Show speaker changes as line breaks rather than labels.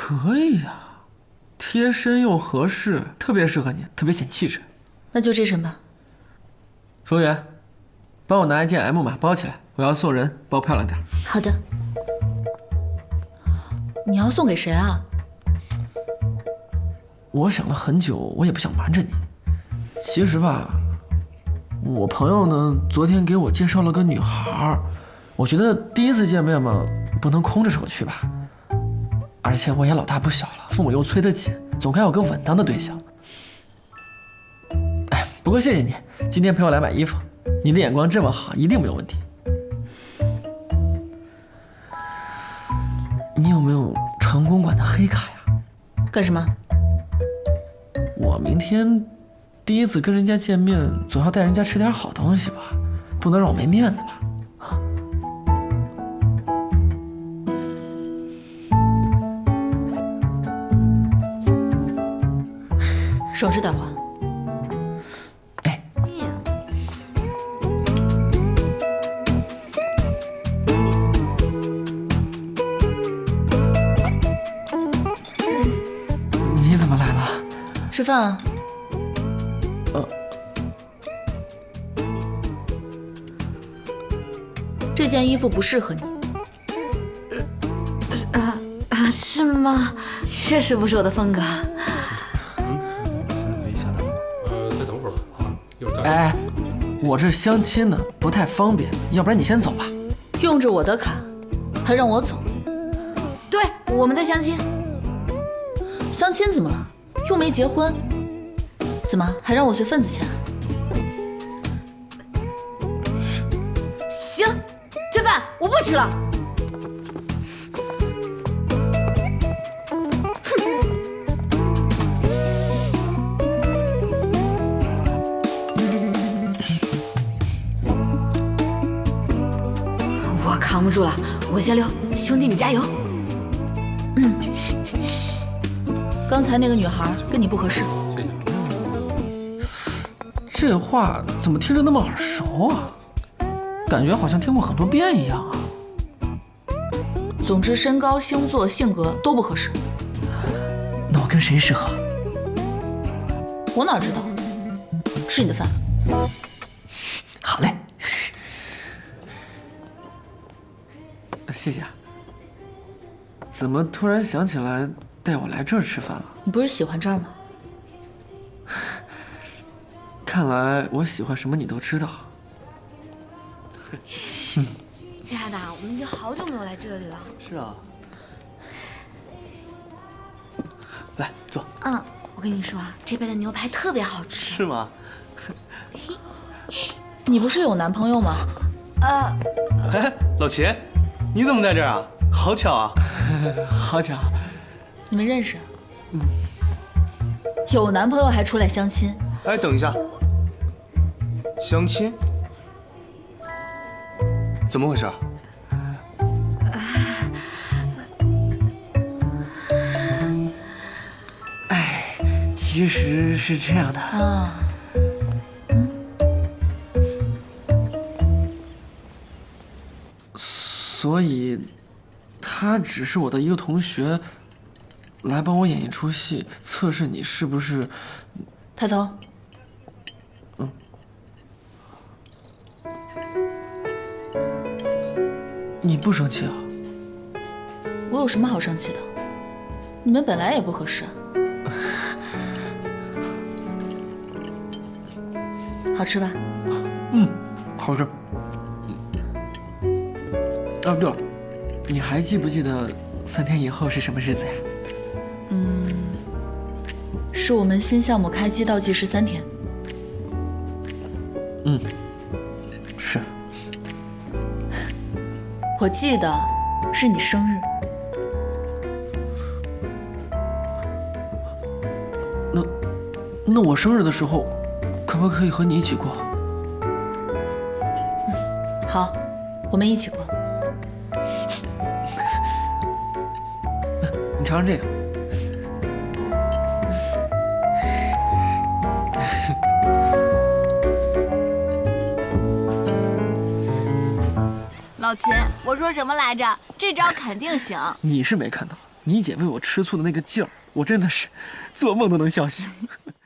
可以呀，贴身又合适，特别适合你，特别显气质。
那就这身吧。
服务员，帮我拿一件 M 码包起来，我要送人，包漂亮点。
好的。你要送给谁啊？
我想了很久，我也不想瞒着你。其实吧，我朋友呢，昨天给我介绍了个女孩，我觉得第一次见面嘛，不能空着手去吧。而且我也老大不小了，父母又催得紧，总该有个稳当的对象。哎，不过谢谢你，今天陪我来买衣服，你的眼光这么好，一定没有问题。你有没有成功馆的黑卡呀？
干什么？
我明天第一次跟人家见面，总要带人家吃点好东西吧，不能让我没面子吧？
省着点花。
哎，你怎么来了？
吃饭啊。这件衣服不适合你。
是吗？确实不是我的风格。
现在没下单吗？再等会儿吧，一会儿再来。
哎，我这相亲呢，不太方便，要不然你先走吧。
用着我的卡，还让我走？
对，我们在相亲。
相亲怎么了？又没结婚，怎么还让我随份子钱？
行，这饭我不吃了。我扛不住了，我先溜，兄弟你加油。
刚才那个女孩跟你不合适。
这话怎么听着那么耳熟啊？感觉好像听过很多遍一样啊。
总之，身高、星座、性格都不合适。
那我跟谁适合？
我哪知道？吃你的饭。
好嘞，谢谢啊。怎么突然想起来带我来这儿吃饭了？
你不是喜欢这儿吗？
看来我喜欢什么你都知道。
亲爱的，我们已经好久没有来这里了。
是啊。来坐。
我跟你说，这边的牛排特别好吃。
是吗？
你不是有男朋友吗？
哎，老齐，你怎么在这儿啊？好巧啊！
好巧。
你们认识？有男朋友还出来相亲？
哎，等一下，相亲？怎么回事？
其实是这样的
啊。
所以，他只是我的一个同学，来帮我演一出戏，测试你是不是。
抬头。
你不生气啊？
我有什么好生气的？你们本来也不合适。好吃吧？
好吃。哦，对了，你还记不记得3天以后是什么日子呀？
是我们新项目开机倒计时3天。
是。
我记得是你生日。
那我生日的时候，可不可以和你一起过？
好，我们一起过。
你尝尝这个。
老秦，我说什么来着？这招肯定行。
你是没看到， 你姐为我吃醋的那个劲儿，我真的是做梦都能笑醒。